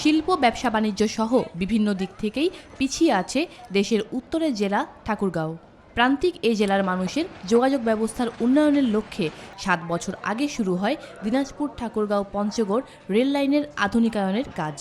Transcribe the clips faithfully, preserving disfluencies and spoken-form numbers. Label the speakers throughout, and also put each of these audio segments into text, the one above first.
Speaker 1: শিল্প, ব্যবসা বাণিজ্য সহ বিভিন্ন দিক থেকেই পিছিয়ে আছে দেশের উত্তরের জেলা ঠাকুরগাঁও। প্রান্তিক এই জেলার মানুষের যোগাযোগ ব্যবস্থার উন্নয়নের লক্ষ্যে সাত বছর আগে শুরু হয় দিনাজপুর ঠাকুরগাঁও পঞ্চগড় রেল লাইনের আধুনিকায়নের কাজ।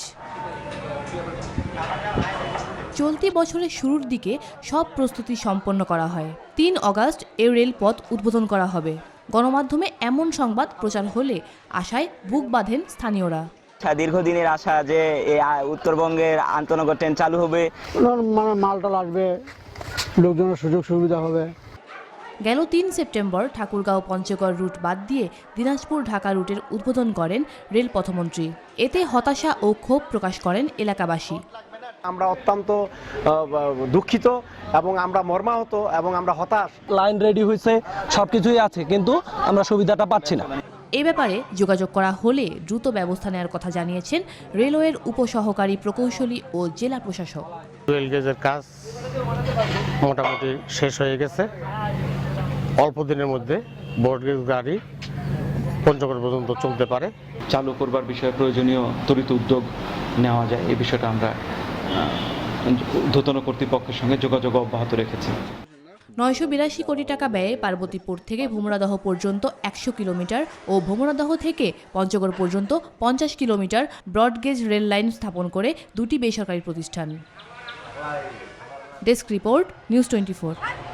Speaker 1: চলতি বছরের শুরুর দিকে সব প্রস্তুতি সম্পন্ন করা হয়। তিন অগাস্ট এই রেলপথ উদ্বোধন করা হবে। গণমাধ্যমে এমন সংবাদ প্রচার হলে আশায় বুক বাঁধেন স্থানীয়রা।
Speaker 2: দীর্ঘদিনের আশা যে উত্তরবঙ্গের আন্তনগর ট্রেন চালু হবে,
Speaker 3: মানে মালটাল আসবে, লোকজনের সুযোগ সুবিধা হবে।
Speaker 1: গেল তিন সেপ্টেম্বর ঠাকুরগাঁও পঞ্চগড় রুট বাদ দিয়ে দিনাজপুর ঢাকা রুটের উদ্বোধন করেন রেল পথমন্ত্রী। এতে হতাশা ও ক্ষোভ প্রকাশ করেন এলাকাবাসী।
Speaker 4: আমরা অত্যন্ত দুঃখিত এবং আমরা মর্মাহত এবং আমরা হতাশ।
Speaker 5: লাইন রেডি হয়েছে, সবকিছুই আছে, কিন্তু আমরা সুবিধাটা পাচ্ছি না।
Speaker 1: এ ব্যাপারে যোগাযোগ করা হলে দ্রুত ব্যবস্থা নেওয়ার কথা জানিয়েছেন রেলওয়ের উপসহকারী প্রকৌশলী ও জেলা প্রশাসক।
Speaker 6: রেল গেজের কাজ মোটামুটি শেষ হয়ে গেছে। অল্প দিনের মধ্যে ব্রডগেজ গাড়ি পঞ্চগড় পর্যন্ত চলতে পারে।
Speaker 7: চালু করবার বিষয়ে প্রয়োজনীয় ত্বরিত উদ্যোগ নেওয়া যায়, এই বিষয়টা আমরা ঊর্ধ্বতন কর্তৃপক্ষের সঙ্গে যোগাযোগ অব্যাহত রেখেছি।
Speaker 1: নয়শো বিরাশি কোটি টাকা ব্যয়ে পার্বতীপুর থেকে ভোমরাদহ পর্যন্ত একশো কিলোমিটার ও ভোমরাদহ থেকে পঞ্চগড় পর্যন্ত পঞ্চাশ কিলোমিটার ব্রডগেজ রেল লাইন স্থাপন করে দুটি বেসরকারি প্রতিষ্ঠান। Desk report, news twenty four.